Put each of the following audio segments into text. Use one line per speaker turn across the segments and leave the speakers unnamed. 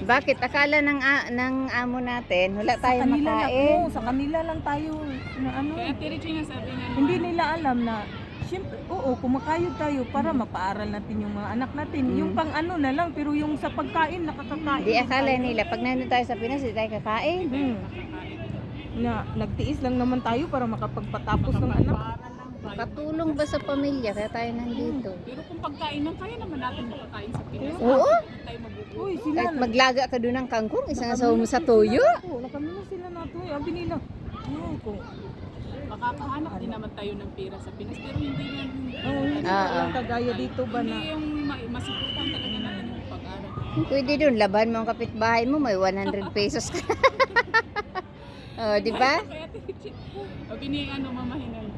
Bakit? Akala ng amo natin, wala
Sa
tayong
kanila
makain.
lang, sa kanila lang tayo na ano.
Kaya Tirichi nga sabi nga
Hindi nila alam na siyempre, oo, kumakayod tayo para mapaaral natin yung mga anak natin. Yung pang ano na lang, pero yung sa pagkain, nakakakain.
Di akala nila, pag nandun tayo sa Pinas, hindi tayo kakain.
Na nagtiis lang naman tayo para makapagpatapos ng anak.
Katulong ba sa pamilya, kaya tayo nandito.
Pero kung pagkain lang, kaya naman natin makakain sa Pinas.
Oo.
Hindi tayo mabubuhay.
Uy, sila
Kahit maglaga ka doon ng kangkong, isang asawa mo sa toyo.
Nakami na sila na to. Sabi nila, kung
Makakahanap din naman tayo ng pera sa Pinas. Pero hindi yan.
hindi lang kagaya dito ba na.
Hindi yung masuportan talaga natin yung pag-aral.
Pwede doon, laban mo ang kapitbahay mo, may 100 pesos ka. Oh, di ba?
Kaya Tirichi, sabi ni mamahinan.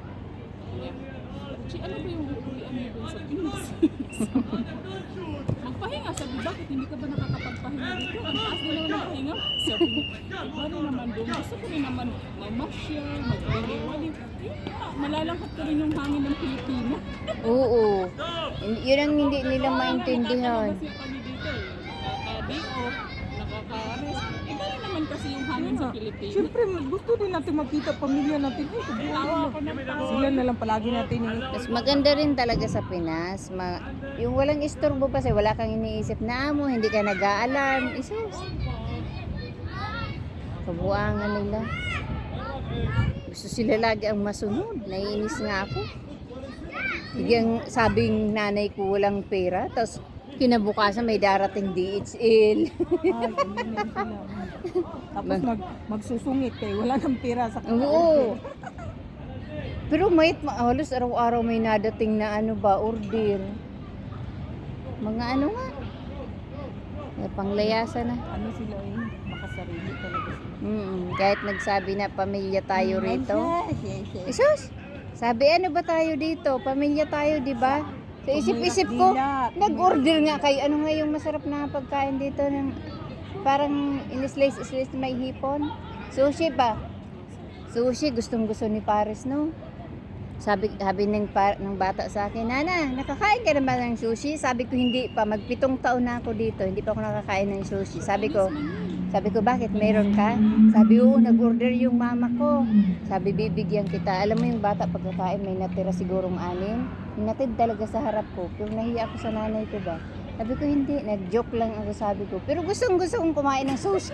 Chi, ano ba yung uuwian mo dun sa Pinas? Magpahinga, sabi, bakit hindi ka ba nakakapagpahinga dito? Ang taas din naman ang pahinga. Sabi niya, iba rin naman doon. Gusto ko rin naman mamasyal, magbaliwali. Malalangkat ko rin yung hangin ng Pilipina.
Oo. Yun ang hindi nila maintindihan.
Kasi kami dito eh. Nakaka-day off, nakaka-rest. Iba rin naman kasi yung hangin sa Pilipinas.
Siyempre, gusto din natin makita pamilya natin.
Tawa ako ng tawa.
Sila na lang palagi natin yung
Mas maganda rin talaga sa Pinas. Yung walang istorbo kasi wala kang iniisip na amo, hindi ka nag-a-alarm. Isus. Kabuangan nila. Gusto sila lagi ang masunod. Naiinis nga ako. Bigyan sabing nanay ko walang pera, tapos kinabukasan may darating DHL.
ganyan din sila. Tapos magsusungit kayo. Wala nang pera sa
Oo. Pero halos araw-araw may nadating na order. Mga ano nga. May panglayasan na.
Ano sila makasarili talaga sila.
Kahit nagsabi na pamilya tayo rito. Isus! Sabi ba tayo dito? Pamilya tayo, di ba? Sa isip-isip ko, nag-order nga kayo. Ano nga yung masarap na pagkain dito ng parang in-slice may hipon? Sushi ba? Sushi, gustong-gusto ni Paris, no? Sabi ng bata sa akin, Nana, nakakain ka naman ng sushi? Sabi ko, hindi pa. Mag-7 taon na ako dito. Hindi pa ako nakakain ng sushi. Sabi ko, bakit meron ka? Sabi, oo, nag-order yung mama ko. Sabi, bibigyan kita. Alam mo yung bata pagkakain, may natira sigurong 6. Natid talaga sa harap ko. Pero nahiya ako sa nanay ko ba? Sabi ko, hindi. Nag-joke lang ako, sabi ko. Pero gusto kong kumain ng sushi.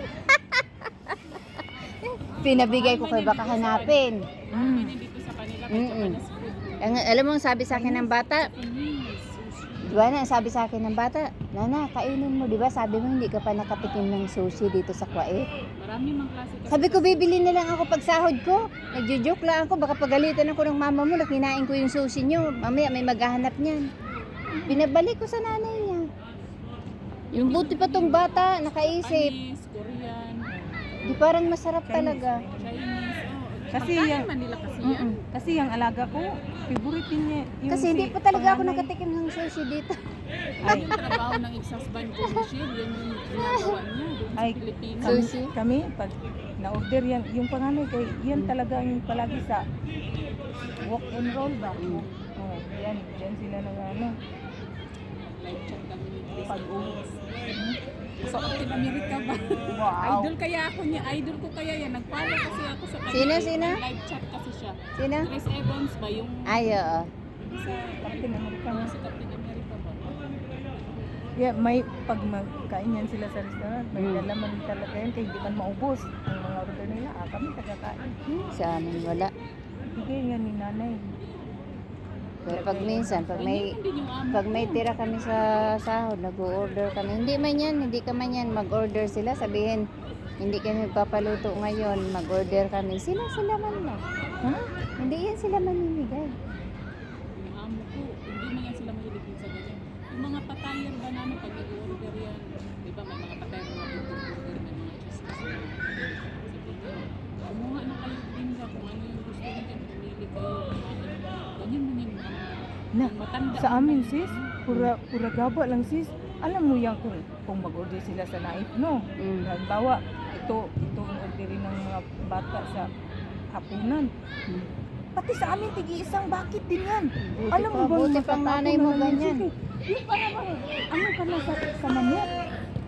Pinabigay ko kay baka hanapin.
Dito sa kanila, kay Japanese food.
Alam mo ang sabi sa akin ng bata? Diba na, sabi sa akin ng bata, Nana, kainin mo, diba? Sabi mo, hindi ka pa nakatikim ng sushi dito sa Kuwait.
Marami mang klase kasi.
Sabi ko, bibili na lang ako pag sahod ko. Nagjo-joke lang ako, baka pagalitan ako ng mama mo na kinain ko yung sushi nyo. Mamaya may maghahanap niyan. Binabalik ko sa nanay niya. Yung buti pa tong bata, nakaisip.
Chinese, Korean,
Di parang masarap talaga.
Chinese.
Kasi
Pagkain
yung-
man nila kasi yan.
Kasi yung alaga ko, favorite din niya. Yung
Kasi hindi pa talaga ako nakatikim ng sushi dito.
Ay, yung trabaho ng ex-husband ko, Michelle, yan yung ginagawa niya doon sa
Ay,
Pilipinas.
Sushi?
Kami, pag na-order yan, yung panganay kay, yan talaga yung palagi sa walk and roll ba? Oh, yan sila na
Live chat kami ni Chris.
pag-uwi.
Sa Captain America ba?
Wow.
Idol kaya ako niya. Idol ko kaya yan. Nag-follow kasi ako sa kanya.
Sino?
Live chat kasi siya.
Sino?
Chris Evans ba? Yung
Ay, oo.
sa
Captain America.
sa Captain America ba?
Yeah, may pag magkain yan sila sa restaurant, may lalaman talaga yan kaya hindi man maubos ang mga order nila. Kami tagakain.
Sa amin wala.
Bigay nga ni nanay.
Pero pag minsan, pag may
Hindi yung amo.
Pag may tira kami sa sahod, nag-order kami. Hindi ka man yan, mag-order sila. Sabihin, hindi kami magpapaluto ngayon, mag-order kami. Sila man lang.
Ha?
Hindi yan sila maninigay.
Yung amo ko, hindi man yan sila mahilig sa ganyan. Yung mga patayer ba namin pag nag-order yan, di ba may mga patayer na nag-order, may mga chismis na kumuha na kayo din ba kung ano yung gusto niyo dyan, pumili kayo. Ganyan man yung mga
Na,
matanda.
sa amin sis, pura gaba lang sis. Alam mo yan kung mag-order sila sa naip, no? Halimbawa, ito ang orderin ng mga bata sa hapunan. Pati sa amin, tigi-isang bakit din yan. Alam mo ba,
Buti pang nanay mo ganyan.
Yung para ano ka na sa manok?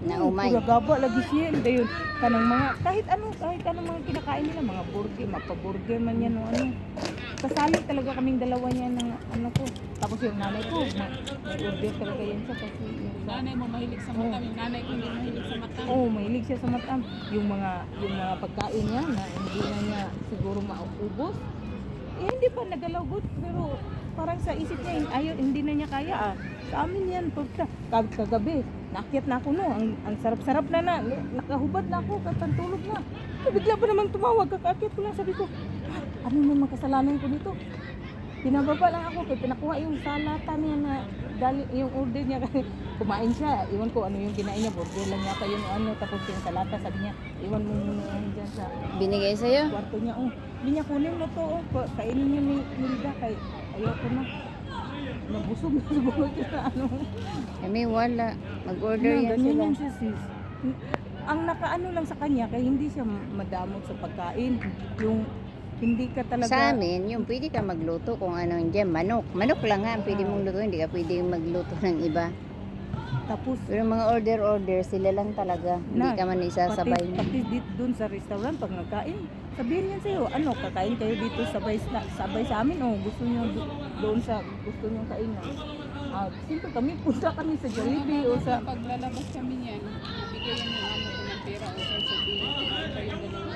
Na umay.
Pura gaba lagi siya. Dayon kanang mga kahit anong mga kinakain nila, mga burger, mapaburger man yan o ano. Kasali talaga kaming dalawa niya ng ano ko. Tapos yung nanay ko, may order talaga yan siya kasi yung
Nanay mo mahilig sa matam, yung nanay ko hindi mahilig sa matam.
mahilig siya sa matam. Yung mga pagkain niya na hindi na niya siguro maubos. Hindi pa nagalagot pero parang sa isip niya ayaw, hindi na niya kaya Sa amin yan pagka kagabi, naakyat na ako no, ang sarap-sarap na nakahubad na ako, katantulog na. Bigla pa namang tumawag, kakaakyat ko lang, sabi ko, ano yung makasalanan ko dito? Pinababa lang ako, kaya pinakuha yung salata niya na yung order niya kasi kumain siya. Iwan ko ano yung kinain niya, burger lang yata yun ano, tapos yung salata sabi niya, iwan mo muna yan dyan sa
Binigay sa'yo?
kwarto niya. Hindi niya kunin mo to, kainin niyo ni Nilda kay ayoko na. Nabusog na siguro siya sa ano.
Kami wala. Mag-order yan
Ganyan
sila.
yan siya sis. Ang nakaano lang sa kanya, kaya hindi siya madamot sa pagkain. Yung hindi ka talaga...
Sa amin, yung pwede ka magluto kung ano dyan, manok. Manok lang nga ang pwede mong luto, hindi ka pwede magluto ng iba.
Tapos,
Pero mga order, sila lang talaga. Hindi ka man isasabay.
pati dito dun sa restaurant, pag nagkain, sabihin niya sa'yo, ano, kakain kayo dito sabay sa amin, gusto niyo doon sa gusto niyo kainan. Siyempre kami, punta kami sa Jollibee o sa...
Paglalabas kami niyan, bigyan yung amo ko ng pera o sasabihin ko kayong dalawa.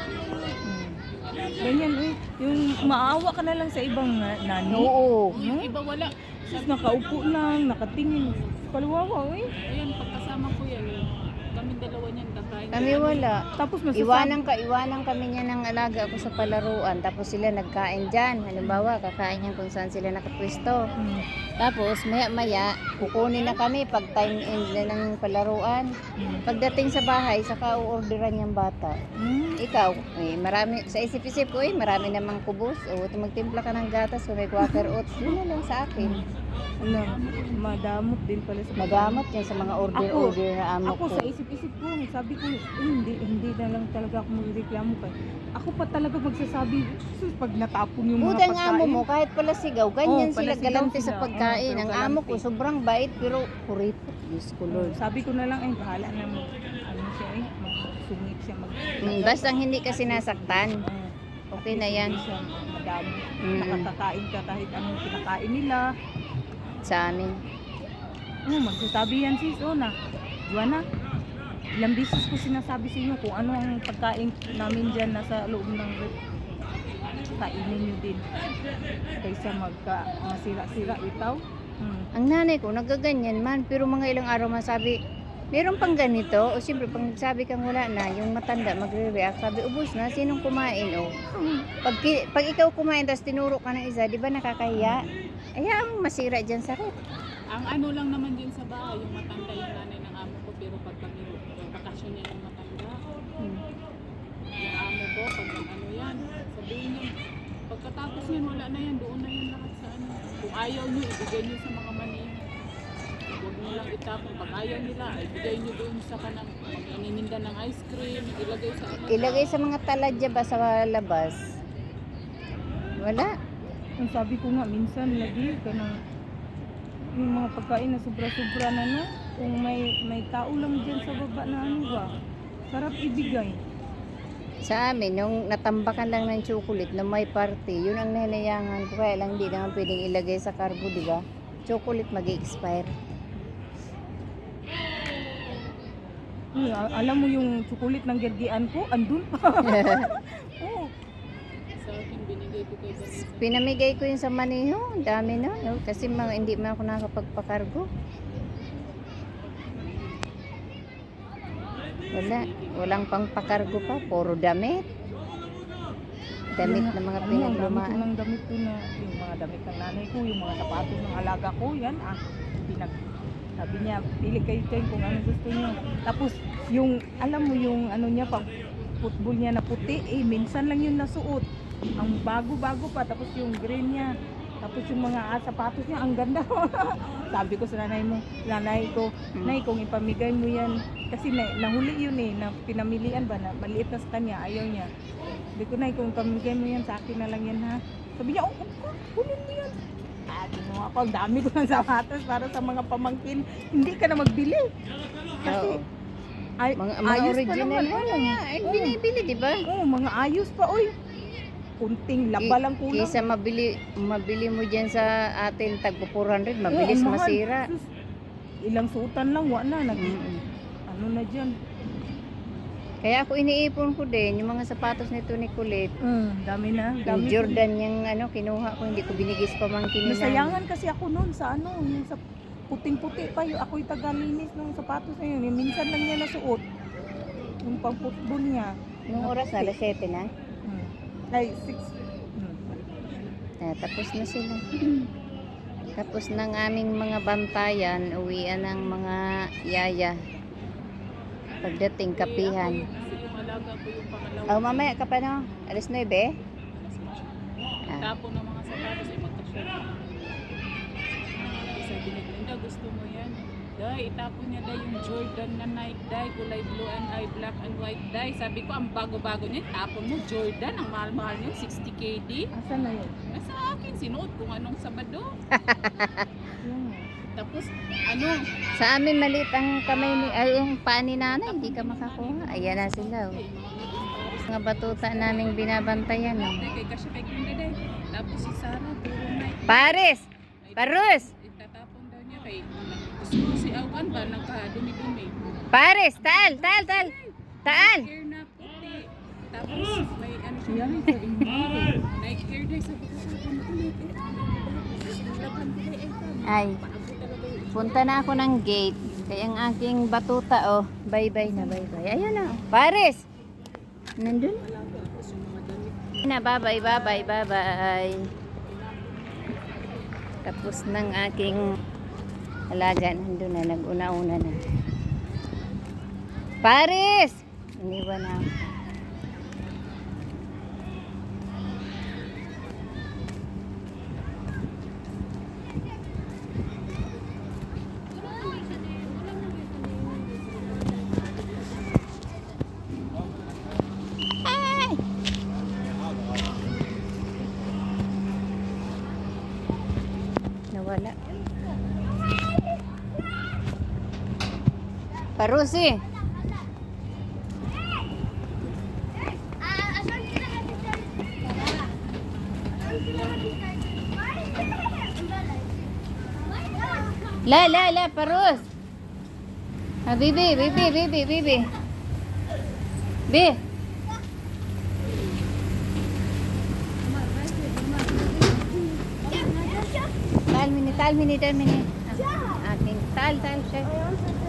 Ganyan, yung maawa ka na lang sa ibang nani.
Oo.
Yung iba wala.
Tapos nakaupo lang, nakatingin. Kaluwawa,
Ayun, pagkasama ko yan, kaming dalawa niyan kakain.
Kami wala.
Tapos masasabi,
Iwanan kami niya ng alaga ako sa palaruan. Tapos sila nagkain dyan. Halimbawa, kakain yan kung saan sila nakapwesto. Tapos, maya-maya, kukunin na kami pag time end na ng palaruan. Pagdating sa bahay, saka uorderan yung bata. Ikaw, marami, sa isip-isip ko, marami namang kubos. O, magtimpla ka ng gatas o may quaker oats. Yun na lang sa akin.
madamot din pala sa
Magamot yan sa mga order na amo
Ako
ko.
sa isip-isip ko, sabi ko, hindi na lang talaga ako magreklamo kay. Ako pa talaga magsasabi, sus, pag natapon yung mga
Budang
pagkain.
amo mo, kahit pala sigaw, ganyan
pala
sila
sigaw
galante sa
sila.
pagkain.
Pero
Ang amo ko,
galante.
sobrang bait, pero kuripot. Diyos ko Lord.
Sabi ko na lang, bahala na ano siya magsungit siya
Basta hindi ka sinasaktan. Okay na yan.
Hindi siya madami.
Mm.
Nakakakain ka kahit anong kinakain nila.
Sa amin.
Magsasabi yan sis, na. Juana, ilang beses ko sinasabi sa inyo kung ano ang pagkain namin dyan nasa loob ng rep. Kainin nyo din. Kaysa masira-sira itaw.
Ang nanay ko, nagaganyan man, pero mga ilang araw masabi, meron pang ganito, o siyempre pag nagsabi kang wala na, yung matanda magre-react, sabi, ubos na, sinong kumain, Pag ikaw kumain, tapos tinuro ka ng isa, di ba nakakahiya? Ayaw masira dyan sakit.
Ang ano lang naman din sa bahay, yung matanda yung nanay ng amo ko, pero pag kami bakasyon niya yung matanda, yung amo ko, pag ano yan, sabihin niya, pagkatapos yan, wala na yan, doon na yan lahat sa ano. Kung ayaw niyo, ibigay niyo sa mga mani. Huwag mo lang itapon. Pag ayaw nila, ibigay niyo doon sa kanang inininda ng ice cream, ilagay sa ano.
Ilagay sa mga taladya ba sa labas? Wala.
Ang sabi ko nga, minsan lagi ka na yung mga pagkain na sobra-sobra na kung may tao lang dyan sa baba na sarap ibigay.
Sa amin, nung natambakan lang ng chocolate na may party, yun ang nahinayangan ko. Kaya lang di naman pwedeng ilagay sa carbo, di ba? Chocolate mag-expire.
Alam mo yung chocolate ng gerdian ko, andun pa.
Sa akin, binigay ko kay Vanessa.
Pinamigay ko yun sa maniho. Ang dami na. No? Kasi hindi man ako nakapagpakargo. Walang pang pakargo pa. Puro damit. Damit na mga pinaglumaan.
Ang damit ko na, yung mga damit ng nanay ko, yung mga sapatos ng alaga ko, yan sabi niya, pili kayo dyan kung ano gusto niyo. Tapos, yung, alam mo yung ano niya, pag football niya na puti, minsan lang yun nasuot. Ang bago-bago pa, tapos yung green niya. Tapos yung mga sapatos niya, ang ganda. Sabi ko sa nanay ko, Nay, kung ipamigay mo yan, kasi nahuli yun na pinamilian ba, na maliit na sa kanya, ayaw niya. Sabi ko, Nay, kung ipamigay mo yan, sa akin na lang yan ha. Sabi niya, kunin mo yan. Ginawa ko, ang dami ko ng sapatos para sa mga pamangkin. Hindi ka na magbili. Kasi, Ay,
Mga
ayos pa
original
naman.
wala nga. Ay, binibili, di ba?
Oo, mga ayos pa, oy. Kunting laba lang kulang.
Kisa mabili mo dyan sa atin tagpo 400, mabilis
Oo, ang mahal.
masira.
Sus, ilang suotan lang, wala na.
Mm-mm.
Ano na dyan?
Kaya ako iniipon ko din yung mga sapatos nito ni Colette.
Dami na.
Yung
Dami
Jordan yung kinuha ko, hindi ko binigay sa pamangkin nila.
Nasayangan kasi ako noon sa yung sa puting-puti pa yung ako'y tagalinis ng sapatos na yun. Yung minsan lang niya nasuot. Yung pang-football niya.
Nung oras na, alas 7 na.
Ay, 6.
Tapos na sila. Tapos ng aming mga bantayan, uwian ng mga yaya. Pagdating kapihan.
Kasi yung alaga ko yung pangalawa.
Oh, mamaya ka pa no? Alas 9 eh?
Tapon ng mga sapatos ay magka-share. Sabi ni Glenda, gusto mo yan? Day, itapon niya day yung Jordan na Nike day, kulay blue and eye black and white day. Sabi ko, ang bago-bago niya, tapon mo Jordan, ang mahal-mahal niya, 60 KD.
Asan na yun?
Nasa akin, sinuot kung anong Sabado.
Yung,
Tapos,
Sa amin maliit ang kamay ni, yung paa ni nanay, hindi ka makakuha. Ayan na sila. Oh. Mga batuta naming binabantayan. Oh.
kay Kasya kay Glenda day. Tapos si Sarah, puro Nike.
Paris! Parus!
Itatapon daw niya kay gusto si Awan ba nagka-dumi-dumi.
Paris! Taal! Taal! Taal! Taal!
Hair na puti. Tapos may ano siya.
yan sa inyo.
Nike hair day sa bukasan kulit. Laban ko ay
Ay,
paabo talaga yung
punta na ako ng gate. Kaya ang aking batuta, oh. Bye-bye na, bye-bye. Ayan na. Oh. Paris! Nandun? Na, bye-bye, bye-bye, bye-bye. Tapos ng aking alaga, nandun na, nag-una-una na. Paris! Iniwan na. Ay! Nawala. Parusi! La, Parus! Ah, Bibi. Bi! Tal mini. Ah, aking tal siya.